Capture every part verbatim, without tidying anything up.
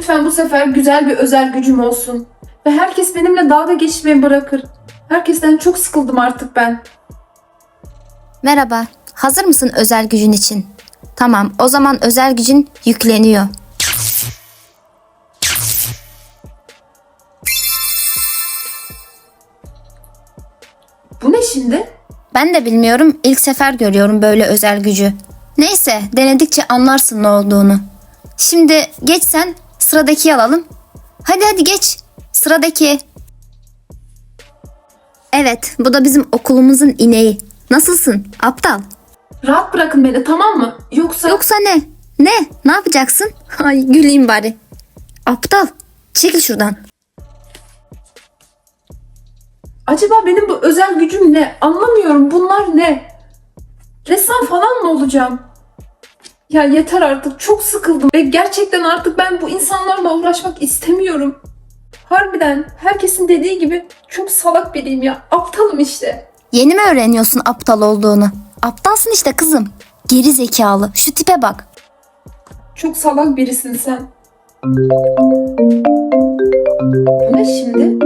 Lütfen bu sefer güzel bir özel gücüm olsun. Ve herkes benimle dalga geçmeyi bırakır. Herkesten çok sıkıldım artık ben. Merhaba, hazır mısın özel gücün için? Tamam, o zaman özel gücün yükleniyor. Bu ne şimdi? Ben de bilmiyorum, ilk sefer görüyorum böyle özel gücü. Neyse, denedikçe anlarsın ne olduğunu. Şimdi geç sen, sıradaki alalım. Hadi hadi geç, sıradaki. Evet, bu da bizim okulumuzun ineği. Nasılsın, aptal? Rahat bırakın beni, tamam mı? Yoksa... Yoksa ne? Ne? Ne yapacaksın? Ay güleyim bari. Aptal, çekil şuradan. Acaba benim bu özel gücüm ne? Anlamıyorum, bunlar ne? Ressam falan mı olacağım? Ya yeter artık, çok sıkıldım. Ve gerçekten artık ben bu insanlarla uğraşmak istemiyorum. Harbiden herkesin dediği gibi çok salak biriyim ya. Aptalım işte. Yeni mi öğreniyorsun aptal olduğunu? Aptalsın işte kızım. Geri zekalı. Şu tipe bak. Çok salak birisin sen. Bu ne şimdi?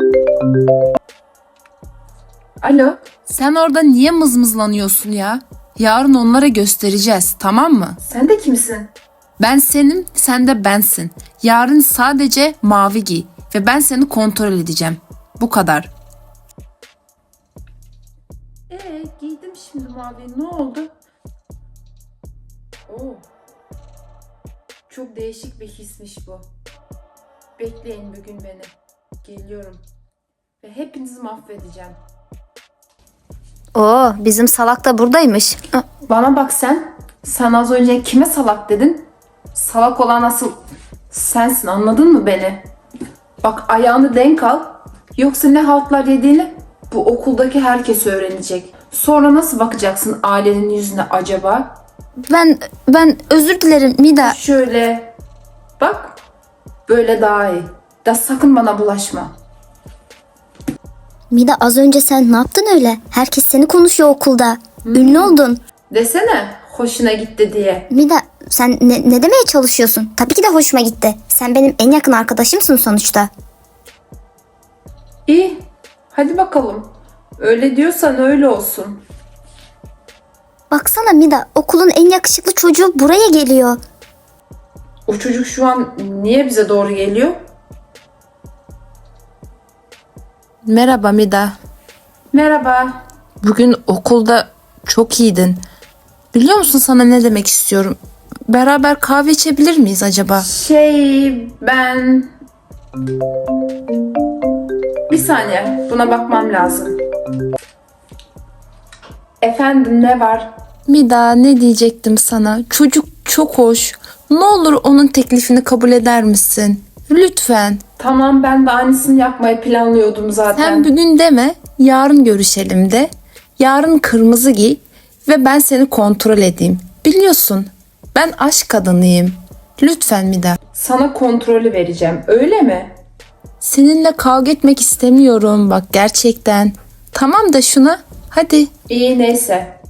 Alo. Sen orada niye mızmızlanıyorsun ya? Yarın onlara göstereceğiz, tamam mı? Sen de kimsin? Ben senim, sen de bensin. Yarın sadece mavi giy ve ben seni kontrol edeceğim. Bu kadar. Ee, giydim şimdi mavi. Ne oldu? Oo. Çok değişik bir hismiş bu. Bekleyin bugün beni. Geliyorum. Ve hepinizi mahvedeceğim. Oo, bizim salak da buradaymış. Ah, Bana bak sen. Sen az önce kime salak dedin? Salak olan asıl sensin, anladın mı beni? Bak ayağını denk al. Yoksa ne haltlar yediğini bu okuldaki herkes öğrenecek. Sonra nasıl bakacaksın ailenin yüzüne acaba? Ben ben özür dilerim Mida. Şöyle bak, böyle daha iyi. Da sakın bana bulaşma. Mida az önce sen ne yaptın öyle? Herkes seni konuşuyor okulda. Ünlü oldun. Desene hoşuna gitti diye. Mida sen ne, ne demeye çalışıyorsun? Tabii ki de hoşuma gitti. Sen benim en yakın arkadaşımsın sonuçta. İyi, hadi bakalım. Öyle diyorsan öyle olsun. Baksana Mida, okulun en yakışıklı çocuğu buraya geliyor. O çocuk şu an niye bize doğru geliyor? Merhaba Mida. Merhaba. Bugün okulda çok iyiydin. Biliyor musun sana ne demek istiyorum? Beraber kahve içebilir miyiz acaba? Şey ben... Bir saniye, buna bakmam lazım. Efendim, ne var? Mida, ne diyecektim sana? Çocuk çok hoş. Ne olur onun teklifini kabul eder misin? Lütfen. Tamam, ben de aynısını yapmayı planlıyordum zaten. Sen bugün deme, yarın görüşelim de. Yarın kırmızı giy ve ben seni kontrol edeyim. Biliyorsun, ben aşk kadınıyım. Lütfen Mida. Sana kontrolü vereceğim, öyle mi? Seninle kavga etmek istemiyorum bak gerçekten. Tamam da şuna, hadi. İyi, neyse.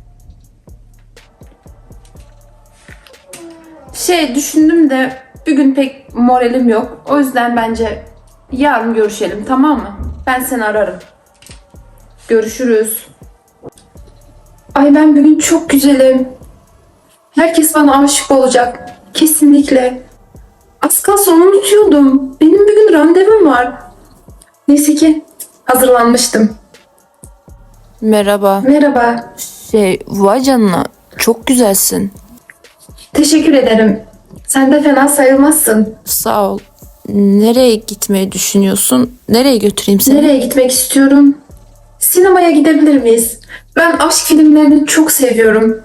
Şey düşündüm de bugün pek moralim yok. O yüzden bence yarın görüşelim, tamam mı? Ben seni ararım. Görüşürüz. Ay ben bugün çok güzelim. Herkes bana aşık olacak. Kesinlikle. Az kalsın onu unutuyordum. Benim bugün randevum var. Neyse ki hazırlanmıştım. Merhaba. Merhaba. Şey, vay canına, çok güzelsin. Teşekkür ederim. Sen de fena sayılmazsın. Sağ ol. Nereye gitmeyi düşünüyorsun? Nereye götüreyim seni? Nereye gitmek istiyorum? Sinemaya gidebilir miyiz? Ben aşk filmlerini çok seviyorum.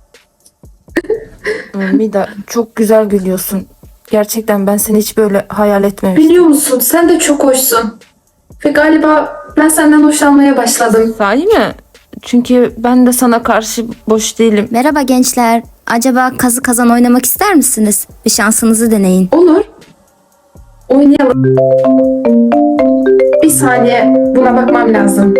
Mida, çok güzel gülüyorsun. Gerçekten ben seni hiç böyle hayal etmemiştim. Biliyor musun, sen de çok hoşsun. Ve galiba ben senden hoşlanmaya başladım. Sahi mi? Çünkü ben de sana karşı boş değilim. Merhaba gençler. Acaba kazı kazan oynamak ister misiniz? Bir şansınızı deneyin. Olur. Oynayalım. Bir saniye, buna bakmam lazım.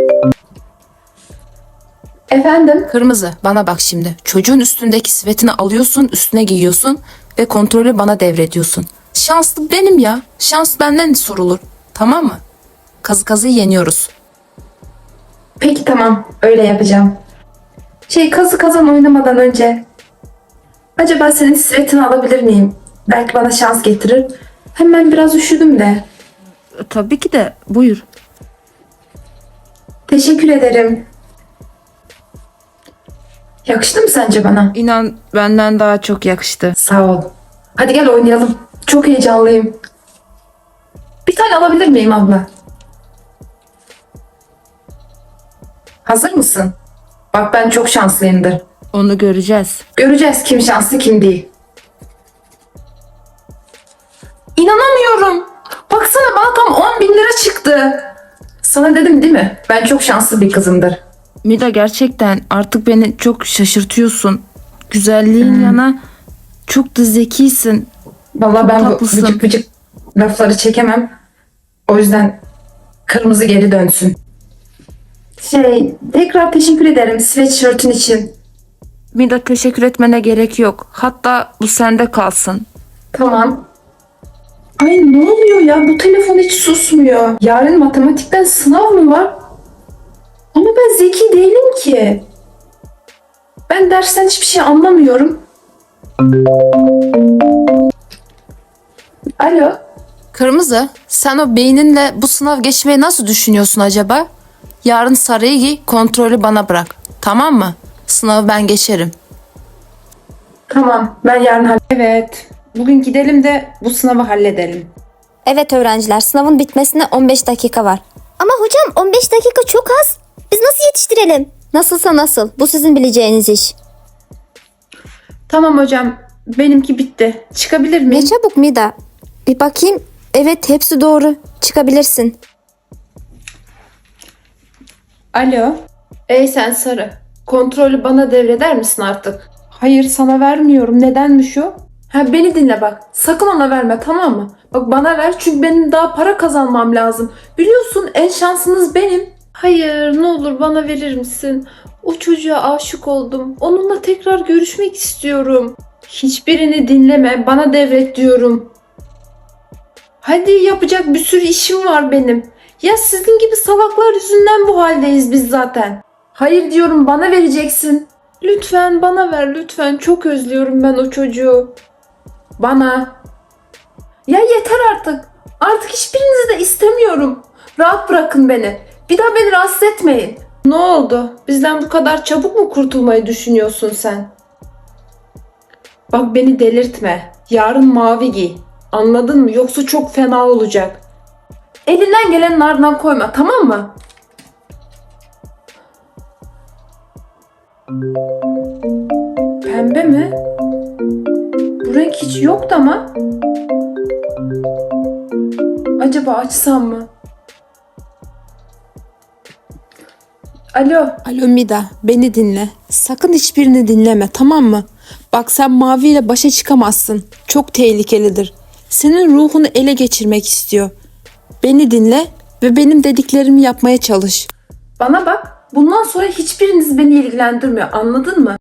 Efendim? Kırmızı, bana bak şimdi. Çocuğun üstündeki sivetini alıyorsun, üstüne giyiyorsun ve kontrolü bana devrediyorsun. Şanslı benim ya. Şans benden sorulur. Tamam mı? Kazı kazı yeniyoruz. Peki tamam, öyle yapacağım. Şey, kazı kazan oynamadan önce acaba senin sivetini alabilir miyim? Belki bana şans getirir. Hemen biraz üşüdüm de. Tabii ki de. Buyur. Teşekkür ederim. Yakıştı mı sence bana? İnan benden daha çok yakıştı. Sağ ol. Hadi gel oynayalım. Çok heyecanlıyım. Bir tane alabilir miyim abla? Hazır mısın? Bak ben çok şanslıyımdır. Onu göreceğiz. Göreceğiz kim şanslı kim değil. İnanamıyorum. Baksana bana tam on bin lira çıktı. Sana dedim değil mi? Ben çok şanslı bir kızımdır. Mida gerçekten artık beni çok şaşırtıyorsun. Güzelliğin yana çok da zekisin. Vallahi ben bu tatlısın. vıcık vıcık lafları çekemem. O yüzden kırmızı geri dönsün. Şey, tekrar teşekkür ederim sweatshirt'ün için. Mida teşekkür etmene gerek yok. Hatta bu sende kalsın. Tamam. Ay ne oluyor ya? Bu telefon hiç susmuyor. Yarın matematikten sınav mı var? Ama ben zeki değilim ki. Ben dersten hiçbir şey anlamıyorum. Alo. Kırmızı, sen o beyninle bu sınav geçmeyi nasıl düşünüyorsun acaba? Yarın sarıyı giy, kontrolü bana bırak. Tamam mı? Sınavı ben geçerim. Tamam, ben yarın hall- Evet. Bugün gidelim de bu sınavı halledelim. Evet öğrenciler, sınavın bitmesine on beş dakika var. Ama hocam on beş dakika çok az. Biz nasıl yetiştirelim? Nasılsa nasıl. Bu sizin bileceğiniz iş. Tamam hocam, benimki bitti. Çıkabilir Ne miyim? çabuk Mida. Bir bakayım. Evet hepsi doğru. Çıkabilirsin. Alo. Ey sen sarı. Kontrolü bana devreder misin artık? Hayır sana vermiyorum. Nedenmiş o? Ha beni dinle bak. Sakın ona verme tamam mı? Bak bana ver çünkü benim daha para kazanmam lazım. Biliyorsun en şansınız benim. Hayır ne olur bana verir misin? O çocuğa aşık oldum. Onunla tekrar görüşmek istiyorum. Hiçbirini dinleme. Bana devret diyorum. Hadi yapacak bir sürü işim var benim. Ya sizin gibi salaklar yüzünden bu haldeyiz biz zaten. Hayır diyorum bana vereceksin. Lütfen bana ver lütfen. Çok özlüyorum ben o çocuğu. Bana. Ya yeter artık. Artık hiçbirinizi de istemiyorum. Rahat bırakın beni. Bir daha beni rahatsız etmeyin. Ne oldu? Bizden bu kadar çabuk mu kurtulmayı düşünüyorsun sen? Bak beni delirtme. Yarın mavi giy. Anladın mı? Yoksa çok fena olacak. Elinden gelenin ardından koyma tamam mı? Pembe mi? Bu renk hiç yoktu ama. Acaba açsam mı? Alo. Alo Mida, beni dinle. Sakın hiçbirini dinleme, tamam mı? Bak sen maviyle başa çıkamazsın. Çok tehlikelidir. Senin ruhunu ele geçirmek istiyor. Beni dinle ve benim dediklerimi yapmaya çalış. Bana bak. Bundan sonra hiçbiriniz beni ilgilendirmiyor. Anladın mı?